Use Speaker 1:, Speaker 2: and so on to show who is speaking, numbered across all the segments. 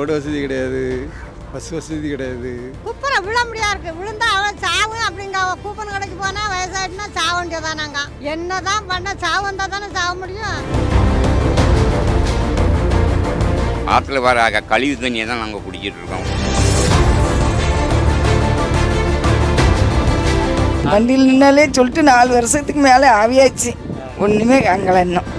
Speaker 1: Road வசதி கிடையாது, bus வசதி கிடையாது.
Speaker 2: குப்பரை விழ முடியா இருக்கு. விழுந்தா அவன் சாவு அப்படிங்க. கூப்பன் கடைக்கு போனா வயசாயிட்டுனா சாவ வேண்டியதானாங்க. என்னதான் பண்ண சாவு வந்தா தானே சாவ முடியும்.
Speaker 3: ஆற்றுல வர கழிவு தண்ணியை தான் நாங்கள் குடிக்கிட்டு இருக்கோம்.
Speaker 4: வண்டியில் நின்னாலே சொல்லிட்டு 4 வருஷத்துக்கு மேலே ஆவியாச்சு, ஒன்றுமே காங்கல இன்னும்.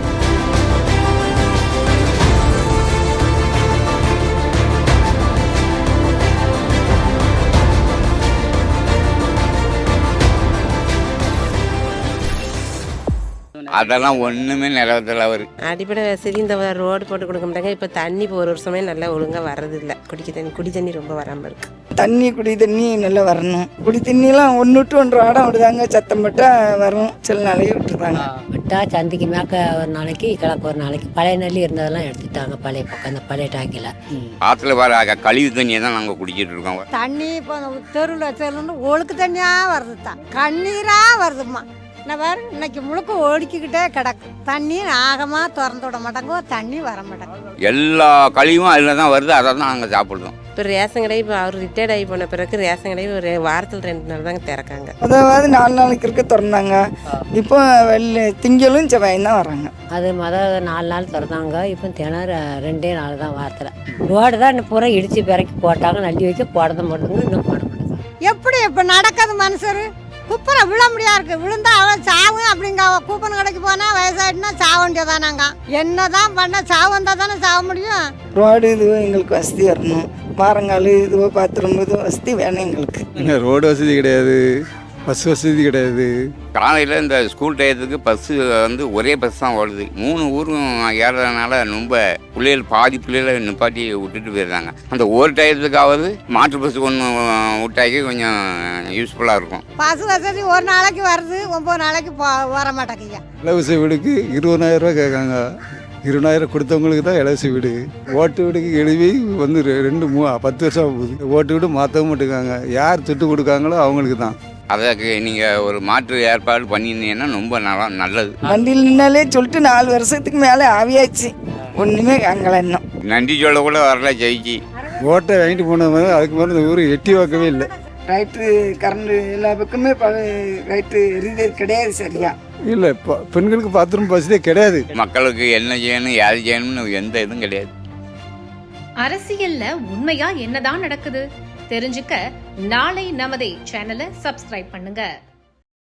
Speaker 3: அதெல்லாம் ஒன்றுமே நிலவத்தில் அவர்
Speaker 5: அடிப்படை வசதி இந்த ரோடு போட்டு கொடுக்க மாட்டாங்க. இப்போ தண்ணி இப்போ ஒரு வருஷமே நல்லா ஒழுங்காக வர்றதில்லை. குடி தண்ணி ரொம்ப வராமல் இருக்கு.
Speaker 4: குடி தண்ணி நல்லா வரணும். குடி தண்ணியெல்லாம் 1 விட்டு 1 ஆடம் விடுதாங்க. சத்தம் பட்டால் வரும், சில நாளையே விட்டுருதாங்க.
Speaker 6: விட்டா சந்திக்கு மேற்க ஒரு நாளைக்கு கிழக்கு ஒரு நாளைக்கு. பழைய நெல்லி இருந்ததெல்லாம் எடுத்துட்டாங்க. பழைய பக்கம் அந்த பழைய டாக்கில்
Speaker 3: ஆற்றுல வர கழிவு தண்ணியை தான் நாங்கள் குடிக்கிட்டு இருக்கோம்.
Speaker 2: தண்ணி இப்போ தெருவில் தெருன்னு ஒழுக்கு தண்ணியாக வருது தான், கண்ணீராக வருதுமா. வேறு இன்னைக்கு முழுக்க ஓடிக்கிட்டே கிடக்கு. தண்ணி ஆகமாக திறந்து விட மாட்டாங்க, தண்ணி வர மாட்டாங்க.
Speaker 3: எல்லா கழிவும் அதில் தான் வருது, அதை தான் நாங்கள் சாப்பிடுறோம்.
Speaker 5: இப்போ ரேஷன் கடை இப்போ அவர் ரிட்டையர்ட் ஆகி போன பிறகு ரேஷன் கடை ஒரு வாரத்தில் 2 நாள் தாங்க திறக்காங்க.
Speaker 4: அதாவது 4 நாளைக்கு இருக்க திறந்தாங்க. இப்போ திங்களும் செவ்வாயும் தான் வராங்க.
Speaker 6: அது 4 நாள் திறந்தாங்க. இப்போ தினம் 2 நாள் தான் வாரத்தில். ரோடு தான் இன்னும் பூரா இடித்து பிறக்கி போட்டாங்க. நட்டி வைக்க போடத மாட்டோங்க, இன்னும் போட மாட்டாங்க.
Speaker 2: எப்படி இப்போ நடக்காது மனுஷரு. குப்பரை விழ முடியா இருக்கு. விழுந்தா அவன் சாவு அப்படிங்க. கூப்பன் கடைக்கு போனா வயசாயிட்டுனா சாவ வேண்டியதானாங்க. என்னதான் பண்ண சாவு வந்தா தானே சாவ முடியும்.
Speaker 4: ரோடு இதுவோ எங்களுக்கு வசதி வரணும். வாரங்கால் இதுவோ பாத்ரூம் இதுவோ வசதி வேணும் எங்களுக்கு.
Speaker 1: ரோடு வசதி கிடையாது, பஸ் வசதி கிடையாது.
Speaker 3: காலையில் இந்த ஸ்கூல் டயத்துக்கு பஸ்ஸு ஒரே பஸ் தான் ஓடுது. 3 ஊரும் ஏறதுனால ரொம்ப பாதி பிள்ளைகளை நிப்பாட்டி விட்டுட்டு போயிடுறாங்க. அந்த ஒரு டயத்துக்காவது மாற்று பஸ் ஒன்று விட்டாக்கி கொஞ்சம் யூஸ்ஃபுல்லாக இருக்கும்.
Speaker 2: பஸ் வசதி ஒரு நாளைக்கு வருது, 9 நாளைக்கு வர மாட்டேங்க.
Speaker 1: இலவச வீடுக்கு 20,000 ரூபா கேட்காங்க. 20,000 கொடுத்தவங்களுக்கு தான் இலவச வீடு. ஓட்டு வீடுக்கு எழுதி 10 வருஷம் போகுது. ஓட்டு வீடு மாற்றவும் மாட்டேங்காங்க. யார் துட்டு கொடுக்காங்களோ அவங்களுக்கு தான்.
Speaker 3: அதற்கு நீங்கள் ஒரு மாற்று ஏற்பாடு பண்ணியிருந்தீங்கன்னா ரொம்ப நல்லது.
Speaker 4: வண்டியில் நின்னாலே சொல்லிட்டு 4 வருஷத்துக்கு மேலே ஆவியாச்சு, ஒன்றுமே காங்கல இன்னும்.
Speaker 3: நன்றி சொல்ல கூட வரல ஜெயிச்சு.
Speaker 1: ஓட்டை வாங்கிட்டு போன மாதிரி அதுக்கு மேலே இந்த ஊர் எட்டி பார்க்கவே இல்லை.
Speaker 4: ரைட்டு கரண்டு எல்லா பக்கமே ரைட்டு எரிதல் கிடையாது சரியா.
Speaker 1: இல்லை, பெண்களுக்கு பாத்ரூம் வசதியே கிடையாது.
Speaker 3: மக்களுக்கு என்ன செய்யணும், யாரு செய்யணும்னு எந்த இதுவும் கிடையாது.
Speaker 7: அரசியல்ல உண்மையா என்னதான் நடக்குது தெரிஞ்சுக்க நாளை நமதே சேனலை சப்ஸ்கிரைப் பண்ணுங்க.